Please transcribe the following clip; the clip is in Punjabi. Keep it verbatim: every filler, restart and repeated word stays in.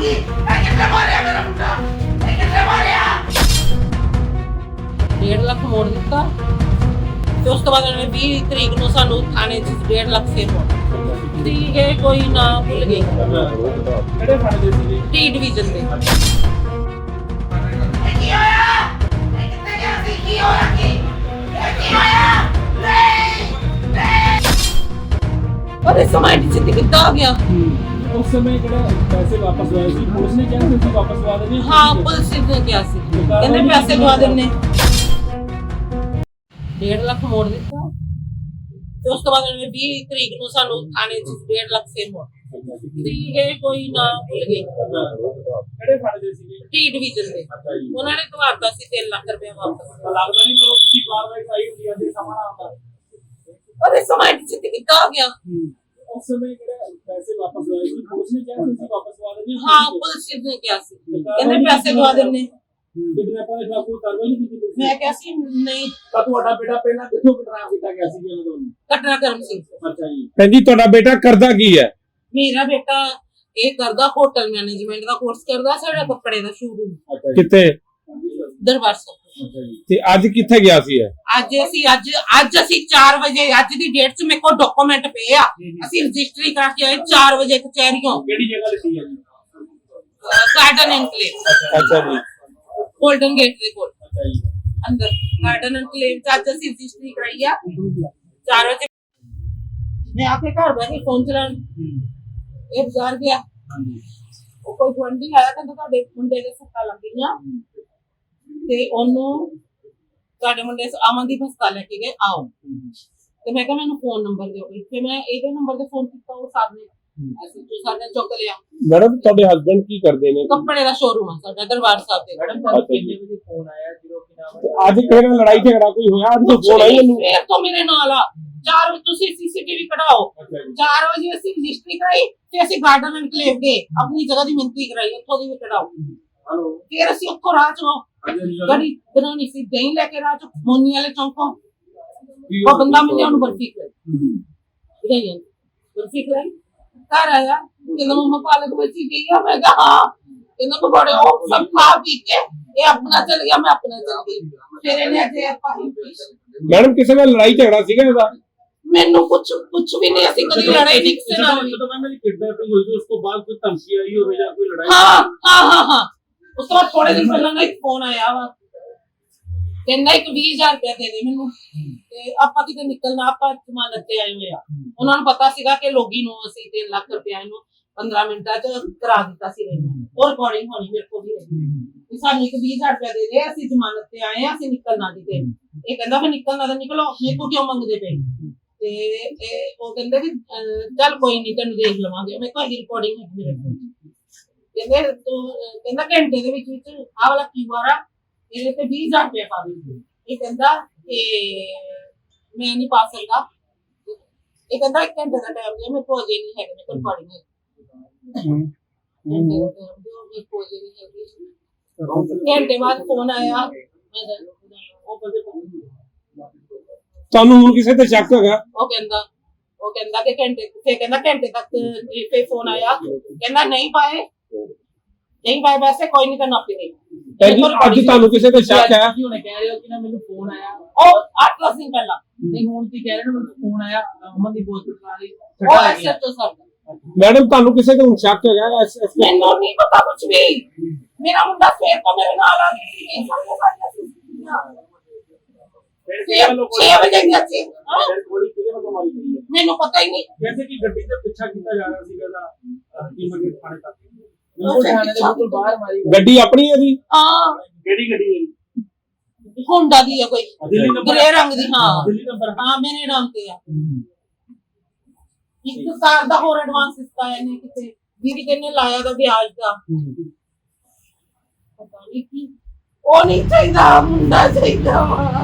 होगी? मैं कितने मारे मेरा मुंडा? मैं कितने मारे? डेढ़ लाख मोड़ दिता ਤੇ ਉਸ ਤੋਂ ਬਾਅਦ ਉਹਨੇ ਵੀਹ ਤਰੀਕ ਨੂੰ ਸਾਨੂੰ ਥਾਣੇ 'ਚ डेढ़ ਲੱਖ ਫੇਰ ਮੋੜ ਠੀਕ ਹੈ ਕੋਈ ਨਾ ਭੁੱਲ ਗਈ ਕਿਹੜੇ ਥਾਣੇ ਦੇ ਸੀਗੇ? ਟੀ ਡਿਵੀਜ਼ਨ ਦੇ ਕੀ ਹੋਇਆ? ਮੈਂ ਕਿੱਥੇ ਗਿਆ ਸੀ? ਕੀ ਹੋਇਆ ਕੀ? ਇਹ ਕੀ ਹੋਇਆ? ਨਹੀਂ ਨਹੀਂ ਅਰੇ ਸਮਾਂ ਜਿੱਤੇ ਕਿੱਦਾਂ ਆ ਗਿਆ ਉਸ ਸਮੇਂ ਜਿਹੜਾ ਪੈਸੇ ਵਾਪਸ ਹੋਏ ਸੀ ਪੁਲਿਸ ਨੇ ਕਿਹਾ ਤੁਸੀਂ ਵਾਪਸ ਦਵਾ ਦੇਣੇ? ਹਾਂ ਪੁਲਿਸ ਨੇ ਕਿਹਾ ਸੀ ਕਹਿੰਦੇ ਪੈਸੇ ਦਵਾ ਦਿੰਨੇ डेढ़ ਲੱਖ ਮੋੜ ਦਿੱਤਾ ਤੇ ਉਸ ਤੋਂ ਬਾਅਦ ਉਹਨੇ ਵੀਹ ਤਰੀਕ ਨੂੰ ਸਾਨੂੰ ਥਾਣੇ 'ਚ डेढ़ ਲੱਖ ਫੇਰ ਮੋੜ ਠੀਕ ਹੈ ਕੋਈ ਨਾ ਭੁੱਲ ਗਈ ਕਿਹੜੇ ਥਾਣੇ ਦੇ ਸੀਗੇ? ਟੀ ਡਿਵੀਜ਼ਨ ਦੇ ਉਹਨਾਂ ਨੇ ਦਵਾਤਾ ਸੀ ਤਿੰਨ ਲੱਖ ਰੁਪਏ ਵਾਪਸ ਲੱਗਦਾ ਨਹੀਂ ਕਰੋ ਤੁਸੀਂ ਕਾਰਵਾਈ ਆਈ ਹੁੰਦੀ ਹੈ ਜੇ ਸਮਾਂ ਆਉਂਦਾ। ਅਰੇ ਸਮਾਂ ਜਿੱਤੇ ਕਿੱਦਾਂ ਆ ਗਿਆ ਉਸ ਸਮੇਂ ਜਿਹੜੇ ਪੈਸੇ ਵਾਪਸ ਹੋਏ ਸੀ ਪੁਲਿਸ ਨੇ ਕਿਹਾ ਤੁਸੀਂ ਵਾਪਸ ਦਵਾ ਦੇਣੇ? ਹਾਂ ਪੁਲਿਸ ਨੇ ਕਿਹਾ ਸੀ ਕਹਿੰਦੇ ਪੈਸੇ ਦਵਾ ਦਿੰਨੇ ਕਿਡਨੈਪਰ ਦੇ ਖਿਲਾਫ ਕੋਈ ਕਾਰਵਾਈ ਨਹੀਂ ਕੀਤੀ ਪੁਲਿਸ ਨੇ? ਮੈਂ ਕਿਹਾ ਸੀ ਨਹੀਂ ਤਾਂ ਤੁਹਾਡਾ ਬੇਟਾ ਪਹਿਲਾਂ ਕਿੱਥੋਂ ਕਿਡਨੈਪ ਕੀਤਾ ਗਿਆ ਸੀ ਉਹਨਾਂ ਤੋਂ? ਘਟਨਾ ਕਰਮ ਸਿੰਘ ਅੱਛਾ ਜੀ। ਭੈਣ ਜੀ ਤੁਹਾਡਾ ਬੇਟਾ ਕਰਦਾ ਕੀ ਹੈ? ਮੇਰਾ ਬੇਟਾ ਇਹ ਕਰਦਾ ਹੋਟਲ ਮੈਨੇਜਮੈਂਟ ਦਾ ਕੋਰਸ ਕਰਦਾ ਸਾਡਾ ਕੱਪੜੇ ਦਾ ਸ਼ੋਰੂਮ ਅੱਛਾ ਜੀ। ਕਿੱਥੇ? ਦਰਬਾਰ ਸਾਹਿਬ ਅੱਛਾ ਜੀ। ਤੇ ਅੱਜ ਕਿੱਥੇ ਗਿਆ ਸੀ ਇਹ? ਅੱਜ ਅਸੀਂ ਅੱਜ ਅੱਜ ਅਸੀਂ ਚਾਰ ਵਜੇ ਅੱਜ ਦੀ ਡੇਟ 'ਚ ਮੇਰੇ ਕੋਲ ਡਾਕੂਮੈਂਟ ਪਏ ਆ ਅਸੀਂ ਰਜਿਸਟਰੀ ਕਰਾ ਕੇ ਆਏ ਚਾਰ ਵਜੇ ਕਚਹਿਰੀਓਂ ਕਿਹੜੀ ਜਗ੍ਹਾ ਲਿਖੀ ਹੈ ਜੀ? ਗਾਰਡਨ ਐਨਕਲੇਵ ਅੱਛਾ ਜੀ। ਗੋਲਡਨ ਗੇਟ ਦੇ ਕੋਲ ਅੱਛਾ ਜੀ। ਅੰਦਰ ਗਾਰਡਨ ਐਨਕਲੇਵ 'ਚ ਅੱਜ ਅਸੀਂ ਰਜਿਸਟਰੀ ਕਰਾਈ ਆ ਚਾਰ ਵਜੇ ਮੈਂ ਆਪੇ ਘਰ ਬੈ ਕੇ ਫੋਨ ਚਲਾਉਣ ਇਹ ਬਾਜ਼ਾਰ ਗਿਆ ਉਹ ਕੋਈ ਗੁਆਂਢੀ ਆਇਆ ਕਹਿੰਦਾ ਤੁਹਾਡੇ ਮੁੰਡੇ ਦੇ ਸੱਟਾਂ ਲੱਗੀਆਂ ਤੇ ਉਹਨੂੰ ਤੁਹਾਡੇ ਮੁੰਡੇ ਅਮਨਦੀਪ ਹਸਪਤਾਲ ਲੈ ਕੇ ਗਏ ਆਓ ਤੇ ਮੈਂ ਕਿਹਾ ਮੈਨੂੰ ਫੋਨ ਨੰਬਰ ਦਿਓ ਫਿਰ ਮੈਂ ਇਹਦੇ ਨੰਬਰ ਤੇ ਫੋਨ ਕੀਤਾ ਉਹ ਸਾਹਮਣੇ ਅਸੀਂ ਜੋ ਸਾਡੇ ਚੁੱਕ ਲਿਆ ਮੈਡਮ ਤੁਹਾਡੇ ਹਸਬੰਡ ਕੀ ਕਰਦੇ ਨੇ? ਕੱਪੜੇ ਦਾ ਸ਼ੋਰੂਮ ਆ ਸਾਡਾ ਦਰਬਾਰ ਸਾਹਿਬ ਦੇ ਮੈਡਮ ਤੁਹਾਨੂੰ ਕਿੰਨੇ ਵਜੇ ਫੋਨ ਆਇਆ ਜਦੋਂ ਕਿ ਨਾਮ ਤੇ ਅੱਜ ਕਿਹੜੇ ਨਾਲ ਲੜਾਈ ਝਗੜਾ ਕੋਈ ਹੋਇਆ? ਅੱਜ ਤਾਂ ਫੋਨ ਆਈ ਇਹਨੂੰ। ਫੇਰ ਤੋਂ ਮੇਰੇ ਨਾਲ ਆ ਚਾਰ ਵਜੇ ਤੁਸੀਂ ਸੀਸੀਟੀਵੀ ਕਢਾਓ ਅੱਛਾ ਜੀ। ਚਾਰ ਵਜੇ ਅਸੀਂ ਰਜਿਸਟਰੀ ਕਰਾਈ ਤੇ ਅਸੀਂ ਗਾਰਡਨ ਐਨਕਲੇਵ ਗਏ ਆਪਣੀ ਜਗ੍ਹਾ ਦੀ ਮਿੰਤੀ ਕਰਾਈ ਉੱਥੋਂ ਦੀ ਵੀ ਕਢਾਓ ਹਲੋ ਫਿਰ ਅਸੀਂ ਉੱਥੋਂ ਰਾਹ ਚੋਂ ਗੜੀ ਬਣਾਉਣੀ ਸੀ ਦਹੀਂ ਲੈ ਕੇ ਰਾਹ ਚੋਂ ਮੋਨੀ ਵਾਲੇ ਚੌਂਕੋਂ ਉਹ ਬੰਦਾ ਮਿਲਿਆ ਉਹਨੂੰ ਬਰਫੀ ਖਵਾਈ ਗਈ ਬਰਫੀ ਖਵਾਈ ਘਰ ਆਇਆ ਕਹਿੰਦਾ ਮੰਮਾ ਪਾਲਕ ਬੱਚੀ ਗਈ ਆ ਮੈਂ ਕਿਹਾ ਹਾਂ ਕਹਿੰਦਾ ਤੂੰ ਬੜੇ ਉਹ ਸਭ ਖਾ ਪੀ ਕੇ ਇਹ ਆਪਣਾ ਚਲ ਗਿਆ ਮੈਂ ਆਪਣਾ ਚਲ ਗਈ ਫਿਰ ਇਹਨੇ ਅਜੇ ਪਾਣੀ ਮੈਡਮ ਕਿਸੇ ਨਾਲ ਲੜਾਈ ਝਗੜਾ ਸੀਗਾ ਇਹਦਾ? ਮੈਨੂੰ ਕੁਝ ਕੁਝ ਵੀ ਨਹੀਂ ਅਸੀਂ ਕਦੀ ਲੜਾਈ ਨਹੀਂ ਕਿਸੇ ਨਾਲ ਵੀ। ਜਦੋਂ ਮੈਂ ਮੇਰੀ ਕਿਡਨੈਪਿੰਗ ਹੋਈ ਸੀ ਉਸ ਤੋਂ ਬਾਅਦ ਕੋਈ ਧਮਕੀ ਆਈ ਹੋਵੇ ਜਾਂ ਕੋਈ ਲੜਾਈ? ਹਾਂ ਹਾਂ ਹਾਂ ਹਾਂ ਉਸ ਤੋਂ ਬਾਅਦ ਥੋੜੇ ਦਿਨ ਪਹਿਲਾਂ ਨਾ ਇੱਕ ਫੋਨ ਆਇਆ ਵਾ ਕਹਿੰਦਾ ਇੱਕ ਵੀਹ ਹਜ਼ਾਰ ਰੁਪਇਆ ਦੇ ਦੇ ਮੈਨੂੰ ਤੇ ਆਪਾਂ ਕਿਤੇ ਨਿਕਲਣਾ ਆਪਾਂ ਜ਼ਮਾਨਤ ਤੇ ਆਏ ਹੋਏ ਆ ਉਹਨਾਂ ਨੂੰ ਪਤਾ ਸੀਗਾ ਕਿ ਲੋਗੀ ਨੂੰ ਅਸੀਂ ਤਿੰਨ ਲੱਖ ਰੁਪਇਆ ਇਹਨੂੰ ਪੰਦਰਾਂ ਮਿੰਟਾਂ ਚ ਕਰਾ ਦਿੱਤਾ ਸੀ ਇਹਨੂੰ ਉਹ ਰਿਕਾਰਡਿੰਗ ਹੋਣੀ ਮੇਰੇ ਕੋਲ ਵੀ ਰਹੀ ਸਾਨੂੰ ਇੱਕ ਵੀਹ ਹਜ਼ਾਰ ਰੁਪਇਆ ਦੇ ਦੇ ਅਸੀਂ ਜ਼ਮਾਨਤ ਤੇ ਆਏ ਆ ਅਸੀਂ ਨਿਕਲਣਾ ਨਹੀਂ ਤੇ ਇਹ ਕਹਿੰਦਾ ਫਿਰ ਨਿਕਲਣਾ ਤਾਂ ਨਿਕਲੋ ਮੇਰੇ ਕੋਲ ਕਿਉਂ ਮੰਗਦੇ ਪਏ ਤੇ ਇਹ ਉਹ ਕਹਿੰਦੇ ਕਿ ਚੱਲ ਕੋਈ ਨਹੀਂ ਤੈਨੂੰ ਦੇਖ ਲਵਾਂਗੇ ਮੈਂ ਕੋਈ ਰਿਕਾਰਡਿੰਗ ਹੈ ਮੇਰੇ ਕੋਲ ਕਹਿੰਦੇ ਤੂੰ ਕਹਿੰਦਾ ਘੰਟੇ ਦੇ ਵਿੱਚ ਵਿੱਚ ਆਹ ਵਾਲਾ ਕੀਵਾਰ ਆ ਇਹਦੇ ਤੇ ਵੀਹ ਹਜ਼ਾਰ ਰੁਪਏ ਪਾ ਦੇ ਇਹ ਕਹਿੰਦਾ ਕਿ ਮੈਂ ਨਹੀਂ ਪਾ ਸਕਦਾ ਇਹ ਕਹਿੰਦਾ ਇੱਕ ਘੰਟੇ ਦਾ ਟਾਈਮ ਦੇ ਮੇਰੇ ਕੋਲ ਅਜੇ ਨਹੀਂ ਹੈਗੇ ਮੇਰੇ ਕੋਲ ਰਿਕਾਰਡਿੰਗ ਹੈ ਘੰਟੇ ਬਾਅਦ ਫੋਨ ਆਇਆ ਉਹ ਬੰਦੇ ਤੁਹਾਨੂੰ ਹੁਣ ਕਿਸੇ ਤੇ ਸ਼ੱਕ ਹੈਗਾ? ਉਹ ਕਹਿੰਦਾ ਉਹ ਕਹਿੰਦਾ ਕਿ ਘੰਟੇ ਫਿਰ ਕਹਿੰਦਾ ਘੰਟੇ ਤੱਕ ਫੇਰ ਫੋਨ ਆਇਆ ਕਹਿੰਦਾ ਨਹੀਂ ਪਾਏ ਨਹੀਂ ਪਾਏ ਵੈਸੇ ਕੋਈ ਨਹੀਂ ਤਾਂ ਆਪੇ ਦੇ ਭੈਣ ਜੀ ਅੱਜ ਤੁਹਾਨੂੰ ਕਿਸੇ ਤੇ ਸ਼ੱਕ ਹੈ? ਕੀ ਉਹਨੇ ਕਹਿ ਰਹੇ ਹੋ ਕਿ ਨਾ ਮੈਨੂੰ ਫੋਨ ਆਇਆ ਉਹ ਅੱਠ ਦਸ ਦਿਨ ਪਹਿਲਾਂ ਨਹੀਂ ਹੁਣ ਕੀ ਕਹਿ ਰਹੇ ਨੇ ਮੈਨੂੰ ਫੋਨ ਆਇਆ ਅਮਨ ਦੀ ਹਸਪਤਾਲ ਵਾਲੀ ਉਹ ਐਸਾ ਤੋਂ ਸਰ ਮੈਡਮ ਤੁਹਾਨੂੰ ਕਿਸੇ ਤੇ ਹੁਣ ਸ਼ੱਕ ਹੈਗਾ? ਐਸ- ਐਸ- ਮੈਨੂੰ ਨਹੀਂ ਪਤਾ ਕੁਝ ਵੀ ਮੇਰਾ ਮੁੰਡਾ ਫੇਰ ਤੋਂ ਮੇਰੇ ਨਾਲ ਆ ਗਿਆ ਛੇ ਵਜੇ ਗਿਆ ਸੀ ਹਾਂ? ਗੋਲੀ ਕਿਹਦੇ ਵੱਲੋਂ ਮਾਰੀ ਗਈ ਹੈ? ਮੈਨੂੰ ਪਤਾ ਹੀ ਨਹੀਂ ਜੈਸੇ ਕਿ ਗੱਡੀ ਦਾ ਪਿੱਛਾ ਕੀਤਾ ਜਾ ਰਿਹਾ ਸੀਗਾ ਦਾ ਕੀਮਤ ਥਾਣੇ ਤੱਕ ਉਹ ਥਾਣੇ ਦੇ ਬਿਲਕੁਲ ਬਾਹਰ ਮਾਰੀ ਗਈ। ਗੱਡੀ ਆਪਣੀ ਹੈ ਜੀ? ਹਾਂ ਕਿਹੜੀ ਗੱਡੀ ਹੈ? ਹੋਂਡਾ ਦੀ ਹੈ ਕੋਈ ਦਿੱਲੀ ਨੰਬਰ ਗ੍ਰੇ ਰੰਗ ਦੀ ਹਾਂ ਦਿੱਲੀ ਨੰਬਰ ਹਾਂ ਮੇਰੇ ਨਾਮ ਤੇ ਆ ਇੱਕ ਸਾਲ ਦਾ ਹੋਰ ਐਡਵਾਂਸ ਦਿੱਤਾ ਇਹਨੇ ਕਿਤੇ ਦੀਦੀ ਕਹਿੰਨੇ ਲਾਇਆ ਦਾ ਵਿਆਜ ਦਾ ਪਤਾ ਨਹੀਂ ਕੀ ਉਹ ਨਹੀਂ ਚਾਹੀਦਾ ਮੁੰਡਾ ਚਾਹੀਦਾ ਵਾ